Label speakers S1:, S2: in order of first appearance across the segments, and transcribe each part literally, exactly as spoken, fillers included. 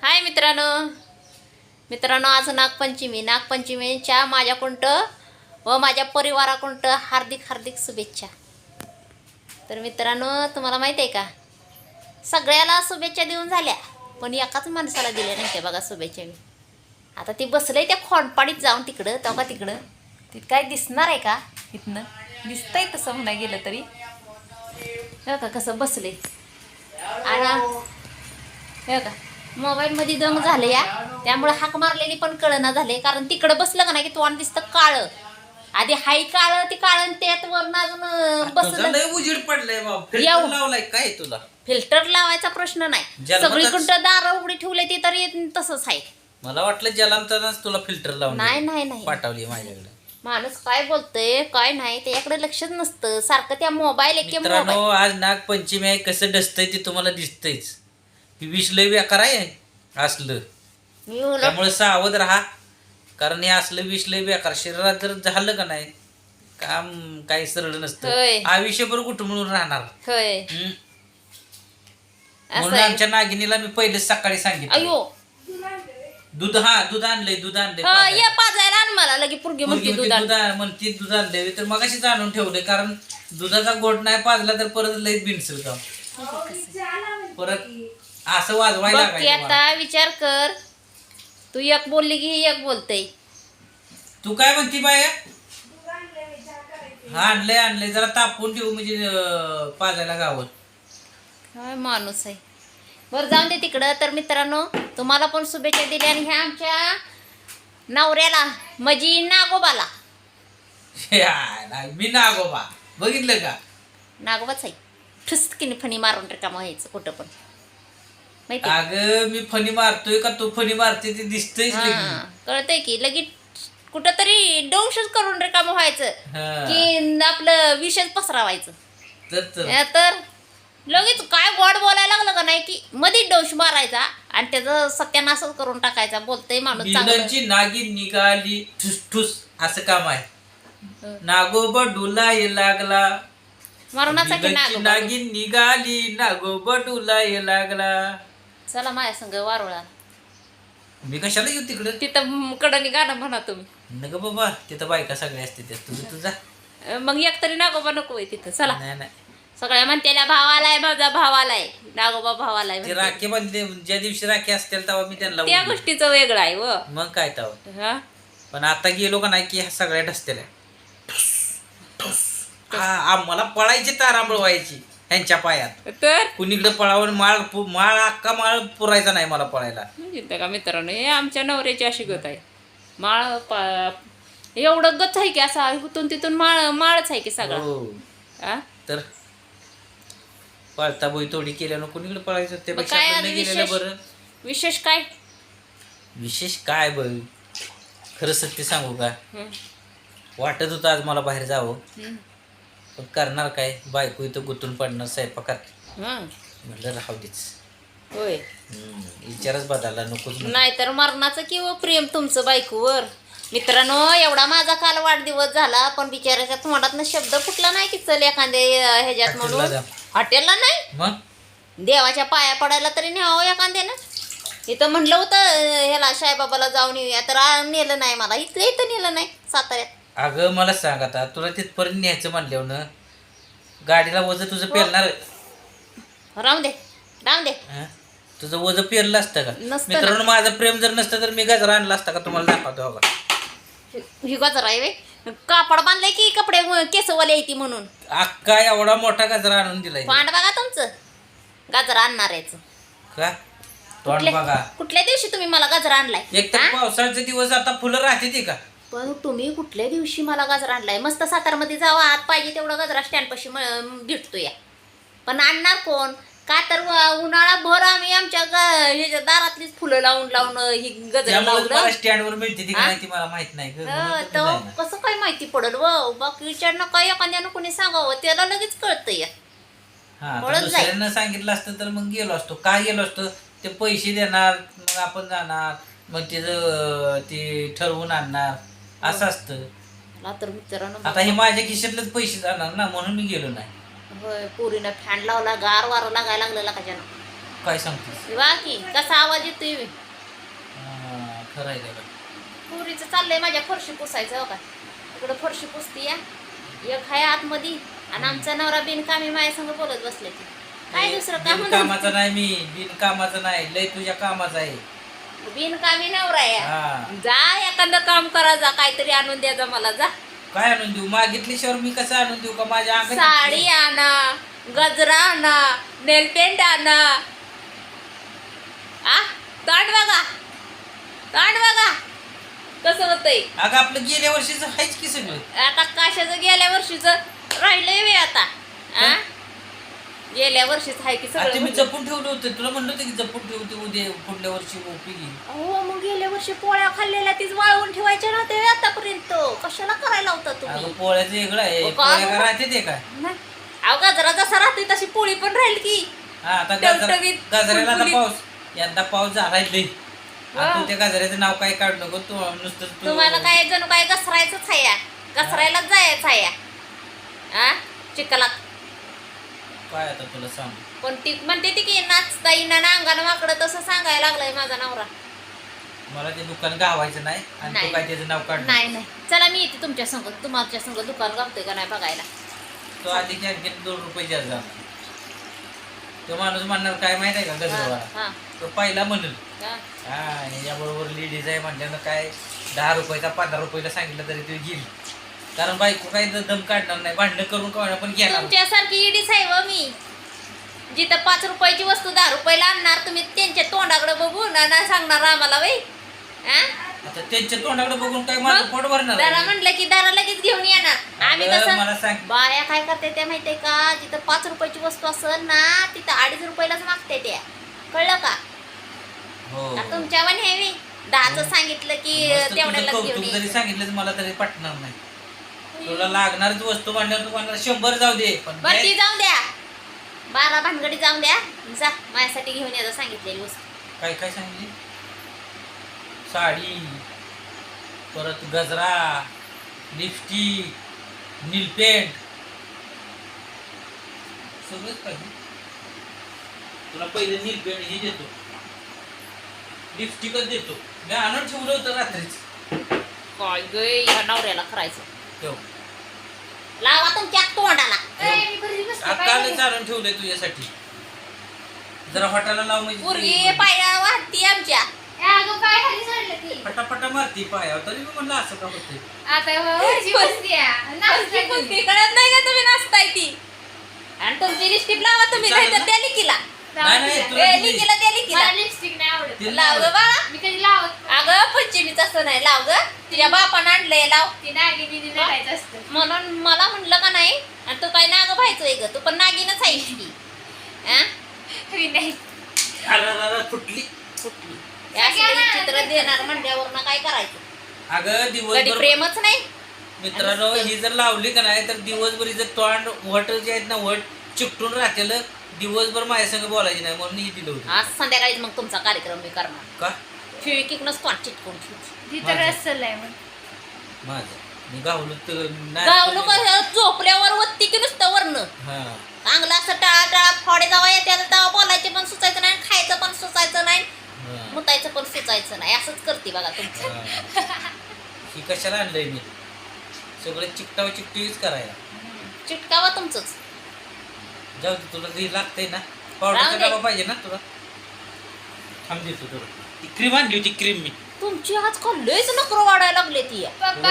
S1: हाय मित्रांनो मित्रांनो आज नागपंचमी नागपंचमीच्या माझ्याकडं व माझ्या परिवाराकडं हार्दिक हार्दिक शुभेच्छा. तर मित्रांनो तुम्हाला माहिती आहे का, सगळ्याला शुभेच्छा देऊन झाल्या पण एकाच माणसाला दिल्या नाही त्या बघा शुभेच्छा. मी आता ती बसलंय त्या खोंडपाडीत जाऊन तिकडं तेव्हा तिकडं तिथं काय दिसणार आहे का? इथनं दिसतंय तसं म्हणाय गेलं तरी हो का कसं बसले आणि हो का मोबाईलमध्ये दम झालं या, त्यामुळे हाक मारलेली पण कळना झाले. कारण तिकडं बसलं का नाही की तोंड दिसतं काळं, आधी हाय काळं ते काळं त्यात वरून अजून बसलं
S2: उजीड पडलाय बाबा. फिल्टर लावलाय काय तुला?
S1: फिल्टर लावायचा प्रश्न नाही, सगळीकडं दार उघडी ठेवले ती तरी तसंच आहे.
S2: मला वाटलं जलांतरच तुला फिल्टर लावून
S1: नाही नाही नाही
S2: पाठवली माझ्याकडे.
S1: माणूस काय बोलतोय काय नाही त्याच्याकडे लक्षच नसतं, सारखं त्या मोबाईल एक
S2: मित्रांनो आज नागपंचमी आहे, कसं डसतंय ते तुम्हाला दिसतंयच. ही विष लय बेकार आहे असलं, त्यामुळे सावध राहा. कारण हे असलं विष लय बेकार शरीरात जर झालं का नाही काम काही सरळ नसतं, आयुष्यभर कुठं म्हणून राहणार. हम्म. म्हणून आमच्या नागिनीला मी पहिलेच सकाळी सांगितलं
S1: अयो
S2: दूध हा दूध आणलंय दूध आणलंय
S1: या पाजायला आण मला लगे पुरगी म्हणते दूध आण.
S2: दूध म्हणते दूध आणलंय तर मगाशीच आणून ठेवलंय, कारण दुधाचा गोट नाही पाजला तर परत लय बिनसल का परत असं वाजवायला
S1: बघ की आता विचार कर, तू एक बोलली की एक बोलतय.
S2: तू काय म्हणती बाया? हा आणलंय आणलंय जरा तापून ठेवू म्हणजे पाजायला गावात.
S1: काय माणूस आहे. बरं जाऊन दे तिकडं. तर मित्रांनो तुम्हाला पण शुभेच्छा दिल्या आणि ह्या आमच्या नवऱ्याला म्हणजे नागोबाला.
S2: मी नागोबा बघितलं का?
S1: नागोबाच आहे. ठुसकीने फणी मारून रिकामं व्हायचं कुठं पण माहिती.
S2: अगं मी फणी मारतोय का तू फणी मारते ते दिसतंय.
S1: कळतंय की लगेच कुठं तरी डोंशच करून रिकामं व्हायचं की आपलं विषच पसरावायचं. तर लगेच काय गोड बोलायला लागलं का नाही की मध्ये डोश मारायचा आणि त्याचं सत्यानाशच करून टाकायचा. बोलतंय माणूस
S2: चांगली नागिन निघाली ठुस ठुस असं काम आहे. नागोबा डुलाय लागला
S1: मरणाचा की
S2: नागिन निघाली नागोबा डुलाय लागला.
S1: चला माझ्या संग वारुळा.
S2: मी कशाला येऊ तिकडं?
S1: तिथं कडनी गाणं म्हणा तुम्ही.
S2: नको बाबा तिथं बायका सगळ्या असते त्या तुझं तुझा
S1: मग एक तरी नागोबा नको आहे तिथं. चला
S2: नाही नाही
S1: सगळ्या म्हणतेल्या भावालाय माझा भावालाय नागोबा भावालाय.
S2: ते राखी बांधले ज्या दिवशी राखी असतील तेव्हा मी त्यांना
S1: त्या गोष्टीचं वेगळं आहे व
S2: मग काय तेव्हा. पण आता गेलो का नाही की ह्या सगळ्या ढसतेल्या आम्हाला पळायची तारांबळ व्हायची ह्यांच्या पायात. तर कुणीकडे पळावून माळ माळ अख्खा माळ पुरायचा नाही मला पळायला.
S1: का मित्रांनो हे आमच्या नवऱ्याची अशी गत आहे. माळ एवढं गत आहे की असा इथून तिथून माळ माळच आहे की सगळं.
S2: तर पळता बोई तोडी केल्यानं कुणीकडे पळायचं त्यापेक्षा गेलेलं बरं.
S1: विशेष काय
S2: विशेष काय बघ खरं सत्य सांगू का, वाटत होतं आज मला बाहेर जावं पण करणार काय, बायको इथं गुंतून पडणार स्वयंपाकात. म्हटलं राहू देच.
S1: होय
S2: विचारच बदलला नकोच.
S1: नाही तर मरणाचं किंवा प्रेम तुमचं बायकोवर. मित्रांनो एवढा माझा काल वाढदिवस झाला पण बिचाराच्या तोंडातनं शब्द फुटला नाही की चल एखाद्या ह्याच्यात म्हणून हॉटेलला नाही
S2: मग
S1: देवाच्या पाया पडायला तरी न्यावं एखाद्यानं. इथं म्हणलं होतं ह्याला साईबाबाला जाऊन येऊया तर नेलं नाही मला. इथलं इथं नेलं नाही साताऱ्यात.
S2: अगं मला सांग आता तुला तिथपर्यंत न्यायचं म्हणल्यावर ना गाडीला वजन तुझं पेरणार
S1: राहून दे राहून दे.
S2: तुझं वजन पेरलं असतं का? मित्रांनो माझं प्रेम जर नसतं तर मी गजरा आणला असता का तुम्हाला दाखवतो बघा.
S1: ही गजरा आहे कापड बांधलंय की कपडे केसवाले येते म्हणून
S2: अक्का एवढा मोठा गजरा आणून दिलाय.
S1: पांड बघा तुमचं गजरा आणणाऱ्याचं
S2: का तोंड बघा.
S1: कुठल्या दिवशी तुम्ही मला गजरा आणलाय?
S2: एक तर पावसाळ्याचे दिवस आता फुलं राहते ती का?
S1: पण तुम्ही कुठल्या दिवशी मला गजरा आणलाय? मस्त सातारमध्ये जावा आत पाहिजे तेवढा गजरा स्टँड पाशी भेटतो या. पण आणणार कोण का तर उन्हाळा भर आम्ही आमच्या ह्याच्या दारातलीच फुलं लावून लावून ही गजरा लावलं.
S2: स्टँडवर मिळते ती का नाही ती मला माहित नाही.
S1: कसं काय माहिती पडल व बाकीच्यांना काय एखाद्यानं कोणी सांगावं त्याला लगेच कळतं या.
S2: दुसऱ्यांना सांगितलं असतं तर मग गेलो असतो. काय गेलो असतो ते पैसे देणार मग आपण जाणार मग त्याचं ते ठरवून आणणार असं असतं.
S1: तर मित्रांनो
S2: आता हे माझ्या खिशातलेच पैसे जाणार ना म्हणून मी गेलो नाही.
S1: होय पोरीनं फॅन लावला गार वारं लागायला लागलेला का ज्यानं
S2: काय सांगतेस
S1: वा की कसा आवाज येतोय बे.
S2: हा, खरं आहे का
S1: पुरीचं चाललंय माझ्या फरशी पुसायचं हो का. इकडं फरशी पुसती या एक हाय आतमध्ये आणि आमचा नवरा बिनकामी माझ्या संग बोलत बसले ती. काय दुसरं काम
S2: कामाचा नाही मी बिनकामाचा नाही लय तुझ्या कामाचा आहे
S1: बिनकामी नवरा या.
S2: हा
S1: जा एखादं काम करा जा काहीतरी आणून द्या जा मला जा.
S2: काय आणून देऊ मागितल्याशिवाय मी कसं आणून देऊ का माझ्या अंगात
S1: साडी आणा गजरा आणा नेलपेंट आणा. आ ताट बघा ताट बघा कसं होतंय.
S2: अगं आपलं गेल्या वर्षीच आहेच की सगळं
S1: आता कशाचं गेल्या वर्षीच राहिलंय वे आता. आ गेल्या वर्षीच आहे की
S2: आता मी
S1: सगळं.
S2: जपून ठेवलं होतं तुला म्हणलं होतं की जपून ठेवते उद्या पुढल्या वर्षी उपयोगी
S1: हो मग गेल्या वर्षी पोळ्या खाल्लेल्या तीच वाळवून ठेवायच्या नव्हत्या व्हय आतापर्यंत. कशाला करायला होता
S2: अगं
S1: तुम्ही.
S2: पोळ्याचं वेगळं आहे
S1: हो का?
S2: पोळ्या का राहते ते काय
S1: नाही. अहो गजरा जसा राहतोय तशी पोळी पण राहील की.
S2: हा आता गजरा
S1: टवटवीत,
S2: गजऱ्याला आता
S1: फुलफुलीत.
S2: पाऊस यंदा पाऊस झालाय लय आता
S1: हो.
S2: तू त्या गजऱ्याचं नाव काय काढू नको तू नुसतं तू
S1: तुम्हाला काय जणू काय घसरायचंच आहे या घसरायलाच जायचं आहे या. आ चिखलात
S2: काय आता तुला सांग
S1: पण ती म्हणते ती की नाचता येईना ना अंगानं वाकडं तसं सांगायला लागलाय माझा नवरा.
S2: मला ते दुकान गावायचं नाही आणि
S1: नाही.
S2: तू काय त्याचं नाव काढ
S1: नाही नाही चला मी येते तुमच्या संग तुमच्या संग दुकान गावतोय का नाही बघायला.
S2: तो आधी आणखी दोन रुपये जास्त झाला तो माणूस म्हणणार काय माहित आहे का गजरवाला
S1: हा
S2: तो पहिला म्हणून
S1: हा
S2: हा याच्याबरोबर लेडीज आहे म्हटल्यानं काय दहा रुपयाचा पंधरा रुपयाला सांगितलं तरी ते घेईल कारण बायको काही दम काढणार नाही भांडणं करून कोणा पण घेणार
S1: तुमच्यासारखी इडीच आहे व मी. जिथं पाच रुपयाची वस्तू दहा रुपयाला आणणार तुम्ही त्यांच्या तोंडाकडे बघून ना सांगणार आम्हाला बाई.
S2: आता त्यांच्या तोंडाकडे बघून काय माझं पोट भरणार
S1: दारा
S2: आहे?
S1: म्हणलं की दारा लगेच घेऊन येणार. आम्ही
S2: अगं, मला
S1: कसं
S2: सांग.
S1: बाया काय करते त्या माहितीये का जिथं पाच रुपयाची वस्तू असेल ना तिथं अडीच रुपयालाच मागते त्या. कळलं का.
S2: हो
S1: आता तुमच्या पण हे दहाच सांगितलं की
S2: मस्त तुझं
S1: तेवढ्याला घेऊन
S2: कौतुक जरी
S1: ये.
S2: सांगितलं मला तरी पटणार नाही तुला लागणारच वस्तू म्हणल्यावर तू म्हणणार शंभर जाऊ दे पण
S1: बरं ती
S2: घ्याय-
S1: जाऊन द्या बारा भानगडी जाऊन द्या जा माझ्यासाठी घेऊन यायचं सांगितलेली वस्तू.
S2: काय काय सांगितली साडी परत गजरा लिपस्टिक नीलपेंट सगळंच पाहिजे तुला पहिले नीलपेंट हे देतो लिपस्टिकच देतो मी आणून ठेवलं होतं रात्रीच
S1: काय ग ह्या नवऱ्याला करायचं.
S2: ठेव
S1: लावा तुमच्या तोंडाला.
S2: आत्ताच आणून ठेवलंय तुझ्यासाठी जरा हॉटेलला लाव
S1: पोरगी
S2: म्हणजे
S1: पाया वाटती आमच्या.
S2: फटाफटा मारती पायावर तरी मी म्हणलं असं का होतंय
S1: पोरगी कळत नाही का तुम्ही नाचताय ती. आणि तुमची लिपस्टिक लावा तुम्ही
S2: चालेल
S1: नाहीतर
S2: ना?
S1: त्या लिकीला
S2: नाही नाही तुला
S1: ए,
S2: दिली.
S1: लिकीला त्या लिकीला
S3: लिपस्टिक नाही आवडत.
S2: तिला
S1: लाव ग
S2: आवडत.
S1: बाळा.
S3: मी कधी लावत
S1: अगं पंचमीच असं नाही लाव ग तुझ्या बापानं आणलंय लाव.
S3: ती नागी बिगी नटायचं असतं.
S1: म्हणून मला म्हणलं का नाही आणि तू काय नाग व्हायचोय ग तू पण नागिनच आहेस की. आ?
S3: मी नाही.
S2: अरे, अरे, अरे, फुटली
S1: कुठली हे असलं चित्र देणार म्हणल्यावर ना काय करायचं.
S2: अगं
S1: कधी
S2: दिवसभर
S1: प्रेमच नाही.
S2: मित्रांनो ही जर लावली का नाही तर दिवसभर जर तोंड वट जे आहेत ना वट चिकटून राहतेल दिवसभर माझ्या संग बोलायची नाही म्हणून ही दिलं होतं
S1: आज संध्याकाळी मग तुमचा कार्यक्रम मी करणार.
S2: का
S1: खिळकीकनंच तोंड चिटकून ठेवू.
S3: ती तर
S2: माझं.
S3: रस्सल आहे मग.
S2: माझं मी गावलो तर नाही
S1: गावलो
S2: पण-
S1: का झोपल्यावर वत्ती की नुसतं वरनं
S2: हा
S1: चांगलं असं टाळा टाळा फोडे जावा येते तेव्हा बोलायचे पण सुचायचं नाही खायचं पण सुचायचं नाही
S2: हा,
S1: मुतायचं पण सुचायचं नाही असंच करते बघा तुमचं.
S2: हा. ही कशाला आणलंय मी सगळं चिकटाव चिकटीच करायला
S1: चिटकावा तुमचंच.
S2: जाऊ दे तुला जे लागतंय ना
S1: राहू
S2: पावडरचा
S1: दे.
S2: डबा पाहिजे ना तुला थांब देतो तुला ती क्रीम आणली होती क्रीम मी
S1: तुमची आजकाल लयच नखरं वाढायला लागले ती.
S3: पप्पा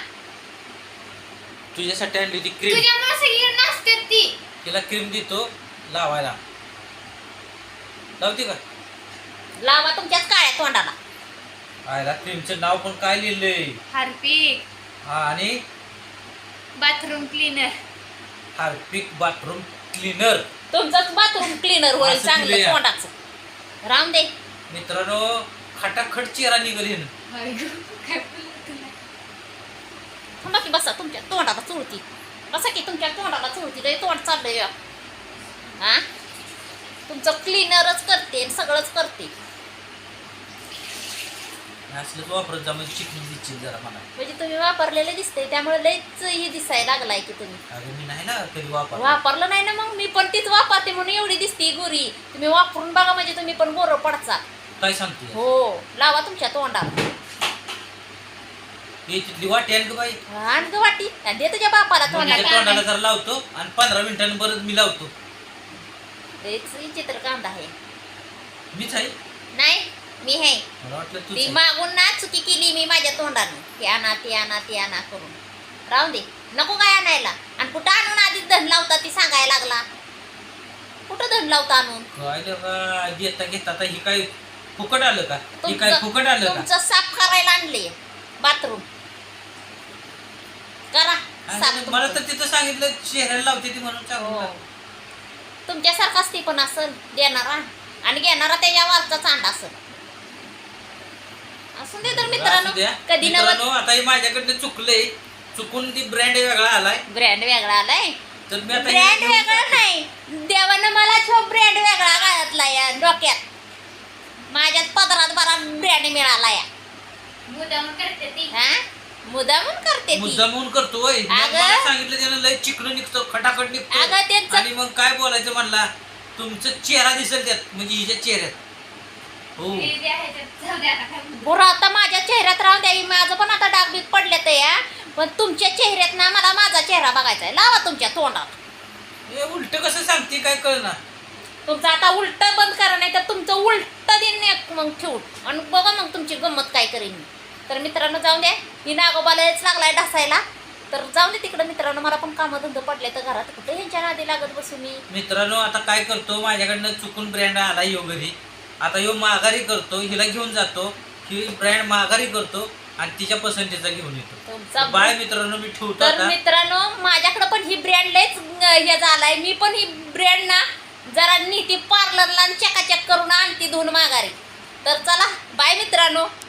S2: तुझ्यासाठी आणली होती क्रीम
S3: तुझ्यामुळे सगळी नाचतात ती.
S2: तिला क्रीम देतो लावायला लावते का
S1: लावा तुमच्याच काळ्या तोंडाला.
S2: आयला क्रीमचं नाव पण काय लिहिलंय
S3: हार्पिक
S2: हा आणि
S3: bathroom cleaner.
S2: Harpic bathroom cleaner
S1: तुमचंच बाथरूम क्लीनर होईल
S2: असं
S1: चांगलं
S2: दिलंय.
S1: तोंडाचं. राम दे
S2: मित्रांनो खटाखट चेहरा निघल हिनं.
S3: काय बोलला तुला.
S1: थांबा की बसा तुमच्या तोंडाला चुळती. बसा की तुमच्या तोंडाला चुळती लय तोंड चाललंय हा तुमचं क्लीनरच करते आणि सगळंच करते.
S2: असलंच वापरत जा म्हणजे चिकनी दिसतील जरा मला.
S1: म्हणजे तुम्ही वापरलेलं दिसतंय त्यामुळे लयच हे दिसायला लागलाय की तुम्ही.
S2: अगं मी नाही ना कधी वापर.
S1: वापरलं नाही ना मग मी पण तीच वापरते म्हणून एवढी दिसते गोरी. तुम्ही वापरून बघा म्हणजे तुम्ही पण गोरं पडचा.
S2: काय सांगते
S1: हो लावा तुमच्या तोंडाला.
S2: हे तिथली वाटी आली का बाई?
S1: आण ग वाटी आणि दे तुझ्या बापाला
S2: मुलीच्या
S1: तोंडाला.
S2: तोंडाला जरा लावतो आणि पंधरा मिनिटांनी परत मी लावतो.
S1: लयच चित्र कांदा आहे.
S2: मीच आहे.
S1: नाही मी आहे.
S2: मला वाटलं
S1: ती
S2: तूच आहे.
S1: मागून ना चुकी केली मी माझ्या तोंडानं. ती आणा ती आणा ती आणा करून राहून दे. नको काय आणायला. आणि कुठं आणून आधीच धन लावता ती सांगायला लागला. कुठं धन लावता आणून?
S2: काय लगा घेता घेता आता ही काय फुकट आलं का? ही काय
S1: तुमचं
S2: फुकट आलं का?
S1: तुमचं साफ करायला आणले बाथरूम. करा
S2: आणि
S1: साफ
S2: मला
S1: तुमचं.
S2: तर तिथं सांगितलं चेहऱ्याला लावते ती म्हणून
S1: हो.
S2: सांगू.
S1: तुमच्यासारखाच ती पण असल देणारा आणि घेणारा त्याच्या वारचा चांड असल. असून दे तर मित्रांनो कधी नवत
S2: मित्रांनो आता हे माझ्याकडनं चुकलंय. चुकून ती ब्रँड वेगळा आलाय.
S1: ब्रँड वेगळा आलाय.
S2: तर मी आता हे
S1: ब्रँड
S2: घेऊन
S1: वेगळा
S2: जातो.
S1: नाही देवानं मला छो ब्रँड वेगळा घातला या डोक्यात. माझ्यात पदरात बरा ब्रँड मिळाला या.
S3: मुद्दाम करते ती.
S1: हा मुद्दामून करते ती.
S2: मुद्दा म्हणून करतो वय. मग
S1: अगं.
S2: मला सांगितलं त्यानं लय चिकन निघतो खटाखट निघतो.
S1: अगं त्यांचं
S2: आणि मग काय बोलायचं म्हणला तुमचं चेहरा दिसेल त्यात म्हणजे हिच्या चेहऱ्यात. हो
S3: हे जे आहे ते जाऊ दे आता काय म्हणते.
S1: बरं आता माझ्या चेहऱ्यात राहून द्यावी. माझं पण आता डाग बीग पडले तर या पण तुमच्या चेहऱ्यात ना मला माझा चेहरा बघायचा आहे. लावा तुमच्या तोंडात.
S2: हे उलट कसं सांगते काय कळणार.
S1: तुमचं आता उलट बंद करा नाही तर तुमचं उलट दिन एक मग ठेवून आणि बघा मग तुमची गंमत काय करेन मी. तर मित्रांनो जाऊन द्या. ही नागोबालाच लागलाय ढासायला. तर जाऊन दे तिकडं मित्रांनो. मला पण कामं धंदे पडले तर घरात कुठे ह्यांच्या नादी लागत बसू मी.
S2: मित्रांनो आता काय करतो माझ्याकडनं चुकून ब्रँड आला यो घरी. आता यो माघारी करतो हिला घेऊन जातो. ही ब्रँड माघारी करतो आणि तिच्या पसंतीचा घेऊन येतो.
S1: तुमचा
S2: बाय मित्रांनो मी ठेवतो
S1: तर
S2: आता.
S1: मित्रांनो माझ्याकडे पण ही ब्रँड लयच हे झालाय. मी पण ही ब्रँड ना जरा नीती पार्लरला चकाचक करून आणते धुवून माघारी. तर चला बाय मित्रांनो.